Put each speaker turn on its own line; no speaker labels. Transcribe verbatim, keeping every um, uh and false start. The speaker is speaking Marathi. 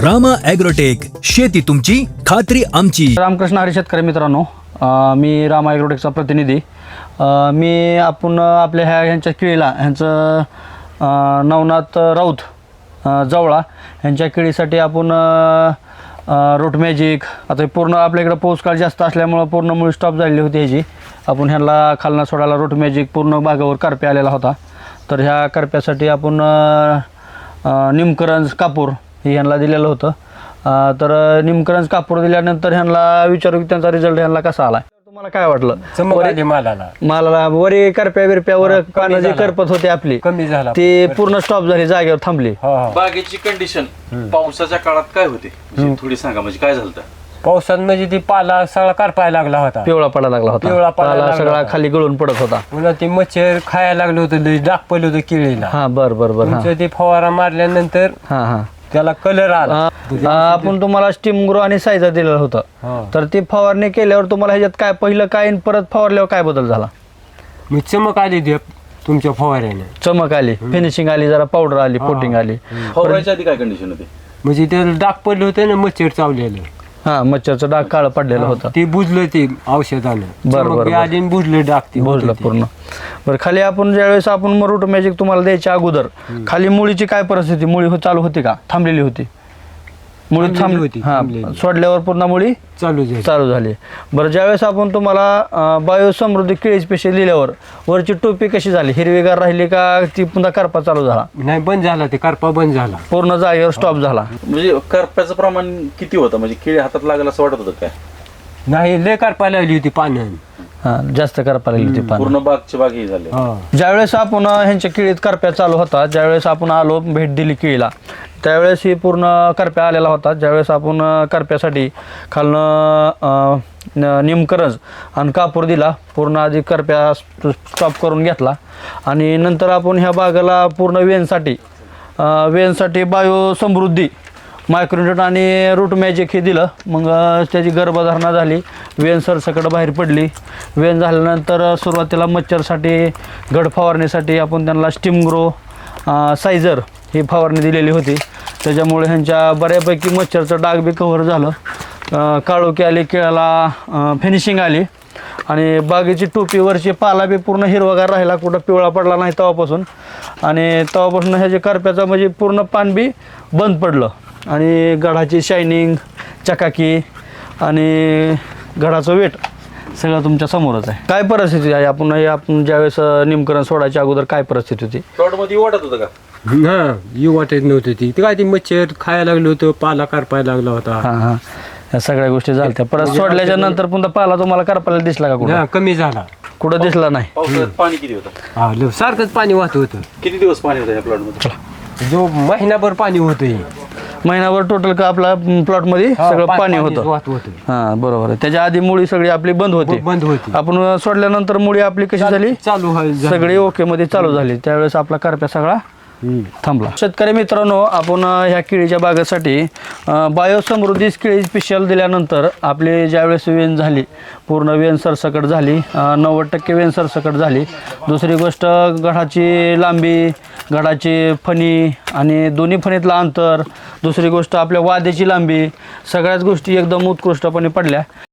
रामा ॲग्रोटेक, शेती तुमची खात्री आमची.
रामकृष्ण हरी शेतकरी मित्रांनो, अ, मी रामा ॲग्रोटेकचा प्रतिनिधी. अ, मी आपण आपल्या ह्या ह्यांच्या केळीला ह्यांचं अ, नवनाथ राऊत अ, जवळा ह्यांच्या केळीसाठी आपण रूट मॅजिक, आता पूर्ण आपल्याकडे पाऊस काळ जास्त असल्यामुळं पूर्ण मुळी स्टॉप झालेली होती ह्याची. आपण ह्यांना खालना सोडायला रूट मॅजिक पूर्ण बागावर करप्या आलेला होता. तर ह्या करप्यासाठी आपण निमकरंज कापूर हे ह्यांना दिलेलं होतं. अ, तर निमकरंज कापूर दिल्यानंतर ह्यांना विचारू की त्यांचा रिझल्ट ह्यांना कसा आला. तुम्हाला काय वाटलं?
चमक आली मालाला.
मालाला वरी करप्या बिरप्यावर पानं जी करपत होती आपली
कमी झाला.
ती पूर्ण स्टॉप झाली, जागेवर थांबली.
हो, हो.
बागेची कंडिशन पावसाच्या काळात काय होते म्हणजे थोडी सांगा, म्हणजे काय झालं होतं?
पावसात म्हणजे ती पाला सगळा करपायला लागला होता.
पिवळा पडायला लागला
पिवळा
होता,
पडायला
पाला
लागला
सगळा
होता.
खाली गळून पडत होता.
पुन्हा ते मच्छर खायला लागलं होतं, लई डाग पडलं होतं केळीला.
हा बर बर बर. हा
तुमचं ते फवारा मारल्यानंतर
हा हा
त्याला कलर आला.
आ, आपण तुम्हाला स्टीम ग्रो आणि सायझर दिलेलं होतं.
हो.
तर ती फवारणी केल्यावर तुम्हाला ह्याच्यात काय पहिलं काय आणि परत फवारल्यावर काय बदल झाला?
मी चमक आली ते तुमच्या फवाऱ्याने.
चमक आली, फिनिशिंग आली, जरा पावडर आली, कोटिंग आली.
फवारायच्या आधी काय कंडिशन होती?
म्हणजे त्याला डाग पडले होते ना, मच्छर चावलेलं.
हा मच्छरचं डाग काळं पडलेलं होतं.
ते बुजलं ते औषधानं.
बरं,
चमक
बरं.
बी आली आणि बुजलं डाग ते
भोजलं
होतं ते.
पूर्ण. बरं, खाली आपण ज्यावेळेस आपण मग रूट मॅजिक तुम्हाला द्यायच्या अगोदर खाली मुळीची काय परिस्थिती? मुळी हो चालू होती का थांबलेली होती? मुळी
थांबलेली
थांबली
होती,
हा,
थांबलेली.
सोडल्यावर पुन्हा मुळी
चालू झाली.
चालू झाली. बरं, ज्यावेळेस आपण तुम्हाला बायो समृद्धी केळी स्पेशल दिल्यावर वरची टोपी कशी झाली? हिरवीगार राहिली का ती पुन्हा करपा चालू झाला?
नाही, बंद झाला ते करपा बंद झाला.
पूर्ण जागेवर स्टॉप झाला?
म्हणजे करप्याचं प्रमाण किती होतं? म्हणजे केळी हातात लागेल असं वाटत होतं काय?
नाही, लय करपा लागली होती पानं.
हा, जास्त करपा लागली ती पानं.
पूर्ण बागची बाग ही झाली.
हो.
ज्यावेळेस आपण ह्यांच्या केळीत करप्या चालू होता, ज्यावेळेस आपण आलो भेट दिली केळीला, त्यावेळेस ही पूर्ण करप्या आलेला होता. ज्यावेळेस आपण करप्यासाठी खालनं अ, न- निमकरंज आणि कापूर दिला, पूर्ण आधी करप्या स्टॉप करून घेतला आणि नंतर आपण ह्या बागाला पूर्ण वेनसाठी अ, वेनसाठी बायो समृद्धी मायक्रोन्यूट आणि रूट मॅजिक हे दिलं. मग अ, त्याची गर्भधारणा झाली, वेन सरसकट बाहेर पडली. वेन झाल्यानंतर सुरुवातीला मच्छरसाठी गड फवारणीसाठी आपण त्यांना स्टीम ग्रो सायझर ही फवारणी दिलेली होती. त्याच्यामुळे ह्यांच्या बऱ्यापैकी मच्छरचं डाग बी कव्हर झालं, अ, काळोखी आली, केळाला फिनिशिंग आली आणि बागेची टोपीवरची पाला बी पूर्ण हिरवागार राहिला, कुठं पिवळा पडला नाही तेव्हापासून. आणि तेव्हापासून ह्याचे करप्याचं म्हणजे पूर्ण पान बी बंद पडलं आणि गडाची शायनिंग, चकाकी आणि गडाचं वेट सगळं तुमच्या समोरच आहे. काय परिस्थिती आहे? आपण हे आपण ज्यावेळेस निमकरण सोडायच्या अगोदर काय परिस्थिती होती?
प्लॉटमध्ये वाटत होतं का?
हा, येऊ वाटत नव्हतं ती ते काय ती मच्छर खायला लागलं होतं, पाला करपायला लागला होता.
हां हां, या सगळ्या गोष्टी झाल्या. परत सोडल्याच्या नंतर पुन्हा पाला तुम्हाला करपायला दिसला का कुठं?
हा, कमी झाला.
कुठं दिसला नाही?
पावसाळ्यात पाणी किती होतं?
हा, ल- सारखंच पाणी वाहत होतं.
किती दिवस पाणी होतं या प्लॉटमध्ये?
जो महिनाभर पाणी होतं हे.
महिनाभर टोटल का आपला प्लॉटमध्ये
हा,
सगळं
पा-
पाणी
पाणीच
होतं.
वाहत होतं.
हां बरोबर आहे. त्याच्या आधी मुळी सगळी आपली बंद होती.
बंद होती.
आपण सोडल्यानंतर मुळी आपली कशी झाली?
चालू व्हायला झाली.
सगळी ओके मध्ये चालू झाली. त्यावेळेस आपला करप्या सगळा
हम्म.
थांबला. शेतकरी मित्रांनो, आपण अ, ह्या केळीच्या बागेसाठी अ, बायो समृद्धी केळी स्पेशल दिल्यानंतर आपली ज्यावेळेस वेन झाली, पूर्ण वेन सरसकट झाली, अ, नव्वद टक्के वेन सरसकट झाली. दुसरी गोष्ट, गडाची लांबी, गडाची फणी आणि दोन्ही फणीतलं अंतर, दुसरी गोष्ट आपल्या वाद्याची लांबी, सगळ्याच गोष्टी एकदम उत्कृष्टपणे पडल्या.